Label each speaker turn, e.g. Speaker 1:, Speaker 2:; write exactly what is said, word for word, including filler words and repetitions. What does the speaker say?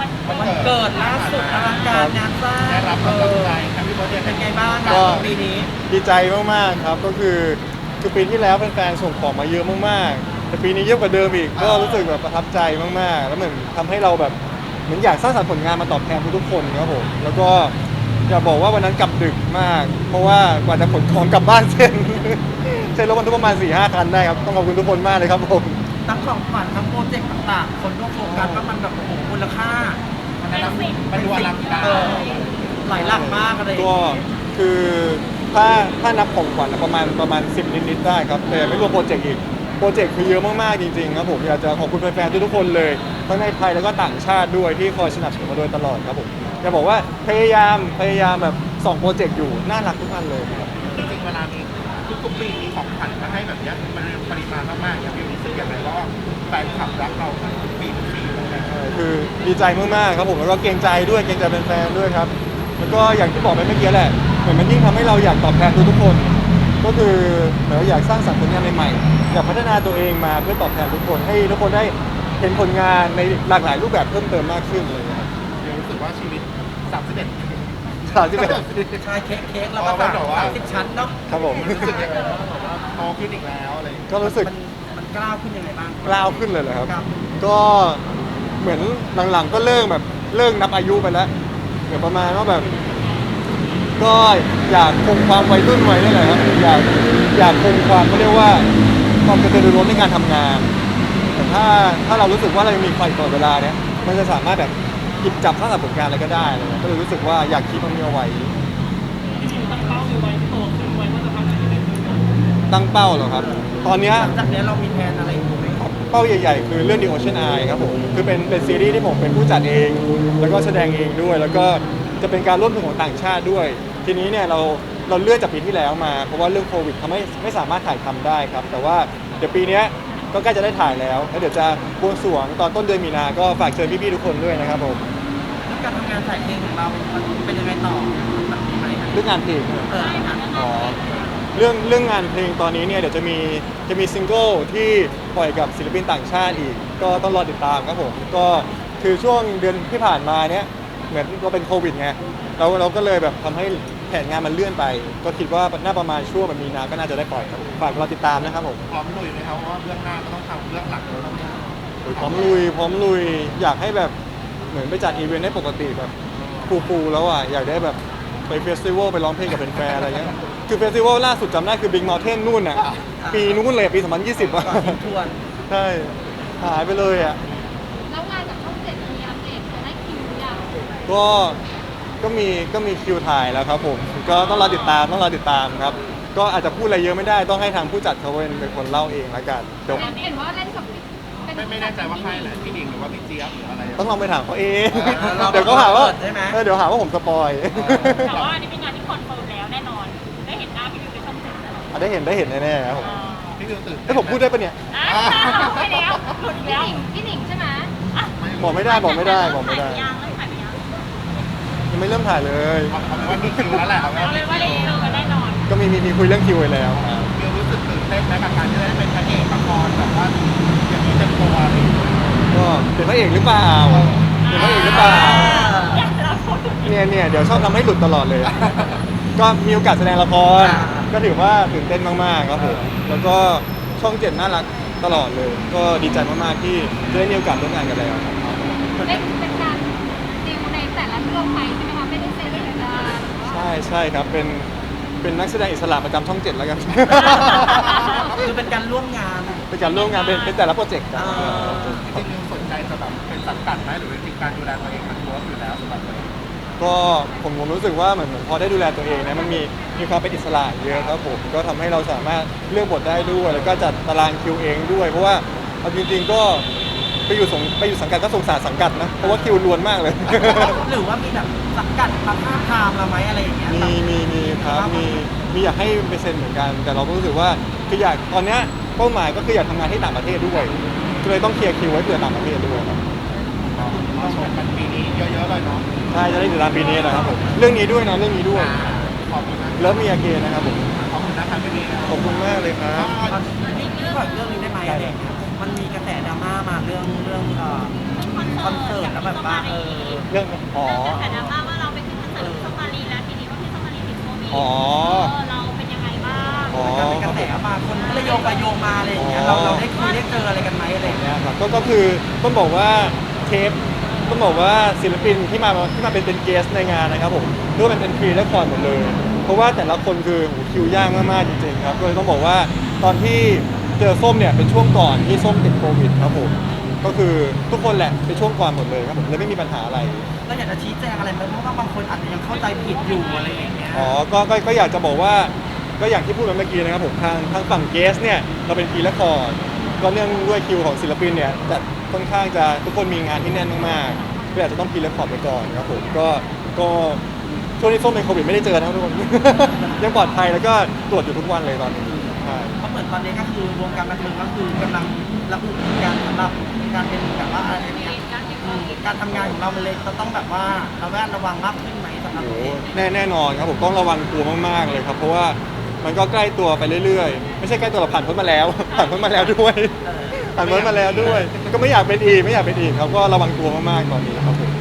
Speaker 1: วันเกิดล่าสุดอลังการงานสร้างได้รับกำลังใจครับพี่โบ๊ทเป็นไงบ้างครับปีนี้
Speaker 2: ดีใจมากๆครับก็คือคือปีที่แล้วแฟนๆส่งของมาเยอะมากๆแต่ปีนี้เยอะกว่าเดิมอีกก็รู้สึกแบบประทับใจมากๆแล้วเหมือนทำให้เราแบบเหมือนอยากสร้างสรรค์ผลงานมาตอบแทนทุกๆคนครับผมแล้วก็อยากบอกว่าวันนั้นกลับดึกมาก เพราะว่ากว่าจะขนของกลับบ้านเสร็จใช้รถบรรทุกประมาณ สี่ห้า คันได้ครับต้องขอบคุณทุกคนมากเลยครับผม
Speaker 1: ทั้งของขวัญทั้งโปรเจกต์ต่างๆคนก็โฟกัสว่ามันแบบโอ้โหมูลค่ามันนั้นมันดูอลังการหลายหลักมากอะไร
Speaker 2: ก็คือถ้าถ้านับของขวัญประมาณประมาณสิบนิดๆได้ครับแต่ไม่รวมโปรเจกต์อีกโปรเจกต์คือเยอะมากๆจริงๆครับผมอยากจะขอบคุณแฟนๆทุกๆคนเลยทั้งในไทยแล้วก็ต่างชาติด้วยที่คอยสนับสนุนมาโดยตลอดครับผมอยากบอกว่าพยายามพยายามแบบส่องโปรเจกต์อยู่น่ารักทุกอันเลยครับ
Speaker 3: จริงๆเวลามีทุกๆปีมีของขวัญมาให้แบบนี้มันปริมาณมากๆอย่างพี่รู้สึกอย่างไรว่าแฟนคลับรักเราทุกปีทุกปีเลยนะ
Speaker 2: คือดีใจมากๆครับผมแล้วก็เกรงใจด้วยเกรงใจแฟนๆด้วยครับแล้วก็อย่างที่บอกไปเมื่อกี้แหละเหมือนมันยิ่งทำให้เราอยากตอบแทนทุกๆคนก็คือเหมือนเราอยากสร้างสรรค์ผลงานใหม่ๆอยากพัฒนาตัวเองมาเพื่อตอบแทนทุกคนให้ทุกคนได้เห็นผลงานในหลากหลายรูปแบบเพิ่มเติมมากขึ้นเลยครับ
Speaker 3: รู้สึกว่าชีวิตสามสิบเอ็ด
Speaker 2: สามสิบเอ็ด
Speaker 1: ใช่เค้กเค้กแล้วก็สามสิบชั้นเนาะ
Speaker 2: ครับผม
Speaker 3: รู้สึกยังไงบ้างแบบว่าโตขึ้นอีกแล้วอะไร
Speaker 2: ก็รู้สึก
Speaker 1: มันกล้าวขึ้นยังไงบ้าง
Speaker 2: กล้าวขึ้นเลยเหรอครับก็เหมือนหลังๆก็เลิกแบบเลิกนับอายุไปแล้วเหมือนประมาณว่าแบบก็อยากคงความวัยรุ่นไว้นี่แหละครับอยากอยากคงความเขาเรียกว่าความกระตือรือร้นในการทำงานแต่ถ้าถ้าเรารู้สึกว่าเรายังมีไฟตลอดเวลาเนี้ยมันจะสามารถแบบหยิบจับสร้างสรรค์ผลงานอะไรก็ได้เลยก็เลยรู้สึกว่าอยากคิดมันมีเอาไว้ตั้งเป้าอยู่ไว้โตขึ้นไว้ว่าจะทำอะไรตั้งเป้าเหรอครับตอนนี้
Speaker 1: หลังจากนี้เรามีแผนอะไรอยู่ไหม
Speaker 2: เป้าใหญ่ๆคือเรื่อง The Ocean Eye ครับผมคือเป็นเป็นซีรีส์ที่ผมเป็นผู้จัดเองแล้วก็แสดงเองด้วยแล้วก็จะเป็นการร่วมทุนของต่างชาติด้วยทีนี้เนี่ยเราเราเลื่อนจากปีที่แล้วมาเพราะว่าเรื่องโควิดทำให้ไม่สามารถถ่ายทำได้ครับแต่ว่าเดี๋ยวปีนี้ก็ใกล้จะได้ถ่ายแล้วแล้วเดี๋ยวจะบวงสรวงตอนต้นเดือนมีนาก็ฝากเชิญพี่ๆทุกคนด้วยนะครับผม
Speaker 1: เรื่องการทำงานถ่ายเพลงของเรามันเป็นยังไงต่อ
Speaker 2: เรื่องงานเพลง
Speaker 1: เออ
Speaker 2: อ๋อเรื่องเรื่องงานเพลงตอนนี้เนี่ยเดี๋ยวจะมีจะมีซิงเกิลที่ปล่อยกับศิลปินต่างชาติอีกก็ต้องรอติดตามครับผมก็คือช่วงเดือนที่ผ่านมาเนี้ยเหมือนเราเป็นโควิดไงเราเราก็เลยแบบทำให้แผนงานมันเลื่อนไปก็คิดว่าน่าประมาณช่วงแบบมีนาก็น่าจะได้ปล่อยครับฝากรอติดตามนะครับผม
Speaker 3: พร้อมลุยไหมครับเพราะว่าเรื่องหน้าก็ต้องทำเรื่องหลักเราต้อง
Speaker 2: พร้อมลุยพร้อมลุยอยากให้แบบเหมือนไปจัดอีเวนต์ให้ปกติแบบฟูๆแล้วอ่ะอยากได้แบบไปเฟสติวัลไปร้องเพลงกับแฟนๆอะไรเงี้ยคือเฟสติวัลล่าสุดจำได้คือ Big Mountain นู่นน่ะปีนู้นเลยปีสองพันยี่สิบอ่ะใช่หายไปเลยอ่ะ
Speaker 4: แล้วงานจากช่องเจ็ดมีอัปเดตจะได้คิวหรือยัง
Speaker 2: ก็ก็มีก็มีคิวถ่ายแล้วครับผมก็ต้องรอติดตามต้องรอติดตามครับก็อาจจะพูดอะไรเยอะไม่ได้ต้องให้ทางผู้จัดเขาเป็นเป็นคนเล่าเองละกันเดี๋ยว
Speaker 4: เห็นว่าเล่นกับ
Speaker 3: ไม่ไม่แน่ใจว่าใครแหละพี่ดิงหรือว่าพี่เจี๊ยบหรืออะไร
Speaker 2: ต้องลองไปถามเขาเองเดี๋ยวเขาหาว่าเดี๋ยวหาว่าผมสปอย
Speaker 4: แต่ว่าอันนี้เป็นงานที่คอนเฟิร์มแล้วแน่นอนได้เห็นหน้าพี่ดิวในช่องเจ็ด
Speaker 2: ได้เห็นได้เห็นแน่ๆครับผม
Speaker 3: พี่ดิวตื่น
Speaker 2: ให้ผมพูดได้ปะเนี่ย
Speaker 4: ไม่แล้วหลุดแล้วพี่หนิงใช่ไหม
Speaker 2: บอกไม่ได้บอกไม่ได้บอกไม่ได้ยังไม่เริ่มถ่ายเลย
Speaker 3: เอาเป็นว่ามีคิวแล้วแหละเอา
Speaker 4: เป็นว่าได้คิวแน่นอน
Speaker 2: ก็มีมีมีคุยเรื่องคิวไว้แล้ว
Speaker 3: มิวรู้สึกตื่นเต้นไหมกับการที่ได้เป็นพระเอกละครแบบว่าอย่างนี้เต็มตัว
Speaker 2: ก็เป็นพระเอกหรือเปล่าเป็นพระเอกหรือเปล่าเนี่ยเนี่ยเดี๋ยวชอบทำให้หลุดตลอดเลยก็มีโอกาสแสดงละครก็ถือว่าตื่นเต้นมากๆครับผมแล้วก็ช่องเจ็ดน่ารักตลอดเลยก็ดีใจมากๆที่ได้มีโอกาสร่วมงานกันแล้ว
Speaker 4: เป็นการดิวในแต่ละเรื่องไปใช่ไหมคะไม่ได้เซ็นสัญญา
Speaker 2: ใช่ใช่ครับเป็นเป็นนักแสดงอิสระประจำช่องเจ็ดแล้วกัน
Speaker 1: คือเป็นการร่วมงาน
Speaker 2: เป็นการร่วมงานเป็นเป็นแต่ละโปรเจกต์
Speaker 3: จริงๆมิวสนใจจะแบบเป็นสังกัดไหมหรือจริงการดูแลตัวเองมันตัวอยู่แล้วสำหรับตัวเอง
Speaker 2: ก็ผมผมรู้สึกว่าเหมือนพอได้ดูแลตัวเองนะมันมีมีความเป็นอิสระเยอะครับผมก็ทำให้เราสามารถเลือกบทได้ด้วยแล้วก็จัดตารางคิวเองด้วยเพราะว่าเอาจริงๆก็ไปอยู่สงไปอยู่สังกัดก็สงสารสังกัดนะเพราะว่าคิวล้วนมากเลย
Speaker 1: หรือว่ามีแบบสังกัดพักห้าพามเราไหมอะไรอย่างเงี้ย
Speaker 2: มีมีมีครับมีมีอยากให้ไปเซ็นเหมือนกันแต่เราก็รู้สึกว่าคืออยากตอนเนี้ยเป้าหมายก็คืออยากทำงานที่ต่างประเทศด้วยก็เลยต้องเคลียร์คิวไว้เผื่อต่างประเทศด้วยครับ
Speaker 3: ต้องชมกันปีนี้เยอะๆเลยเนาะ
Speaker 2: ใช่จะได้ติดตามปีนี้นะครับผมเรื่องนี้ด้วยนะเรื่องนี้ด้วย
Speaker 3: ขอบคุณนะ
Speaker 2: เลิฟมีอาเกนนะครับผม
Speaker 3: ขอบคุณนะครับพี่
Speaker 2: ขอบคุณมากเลยครับ
Speaker 1: นี่ขอเรื่องนี้ได้ไหมอะไรมันมีกระแสดราม่ามาเรื่องเรื่องเอ่อคอนเสิร์ตแล้วแบบว่าเออ
Speaker 2: เรื่องอ๋อ
Speaker 4: แต่ดราม่าว่าเราไปขึ้นคอนเสิร์ตที่สมารีแล้วทีนี้ว่าพี่สมารีติดโควิด
Speaker 2: อ๋อ
Speaker 4: เออเราเป็นยังไงบ้าง
Speaker 2: อ๋อ
Speaker 1: การเป็นกระแสมาคนก็เลยโยงไปโยงมาอะไรอย่างเงี้ยเราเราได้คุยได้เจออะไรกันไหมอะไรอย่างเงี้ย
Speaker 2: เนี่ยครับก็ก็คือต้องบอกว่าเทปต้องบอกว่าศิลปินที่มาที่มาเป็นเป็นเกสในงานนะครับผมเรื่องมันเป็นฟรีและคอร์ดหมดเลย เพราะว่าแต่ละคนคือโหคิวยากมากๆจริงๆครับก็เลยต้องบอกว่าตอนที่เจอส้มเนี่ยเป็นช่วงก่อนที่ส้มติดโควิดครับผมก็คือทุกคนแหละเป็นช่วงก่อนหมดเลยครับผมเลยไม่มีปัญหาอะไร
Speaker 1: เราอยากจะชี้แจงอะไรไหมเพราะว่าบางคนอาจจะยังเข้าใจผิดอยู่อะไรอย่างเงี้ย
Speaker 2: อ๋อก็ก็ก็อยากจะบอกว่าก็อย่างที่พูดไปเมื่อกี้นะครับผมทางทางฝั่งเกสเนี่ยเราเป็นฟรีและคอร์ดก็เนื่องด้วยคิวของศิลปินเนี่ยจะค่อนข้างจะทุกคนมีงานที่แน่นมากๆก็อาจจะต้องฟรีและคอร์ดไปก่อนครับผมก็ก็ช่วงที่ส้มเป็นโควิดไม่ได้เจอนะครับทุกคน ยังปลอดภัยแล้วก็ตรวจอยู่ทุกวันเลยตอนนี้ใช่
Speaker 1: เพราะเหมือนตอนนี้ก็คือวงการบันเทิงก็คือกำลังระอุการสำหรับการเป็นแบบว่าอะไรเนี่ยอืมการทำงานของเรามันเลยจะต้องแบบว่าระแวดระวังมากขึ้นไหมสำหรับ
Speaker 2: โอ้
Speaker 1: ตัว
Speaker 2: โห
Speaker 1: เอง
Speaker 2: แน่แน่นอนครับผมต้องระวังตัวมากๆเลยครับเพราะว่ามันก็ใกล้ตัวไปเรื่อยๆ ไม่ใช่ใกล้ตัวเราผ่านพ้นมาแล้ว ผ่านพ้นมาแล้วด้วย
Speaker 1: เออ
Speaker 2: ผ่านพ้นมาแล้วด้วย ก็ไม่อยากเป็นอีกไม่อยากเป็นอีกครับก็ระวังตัวมากๆตอนนี้ครับผม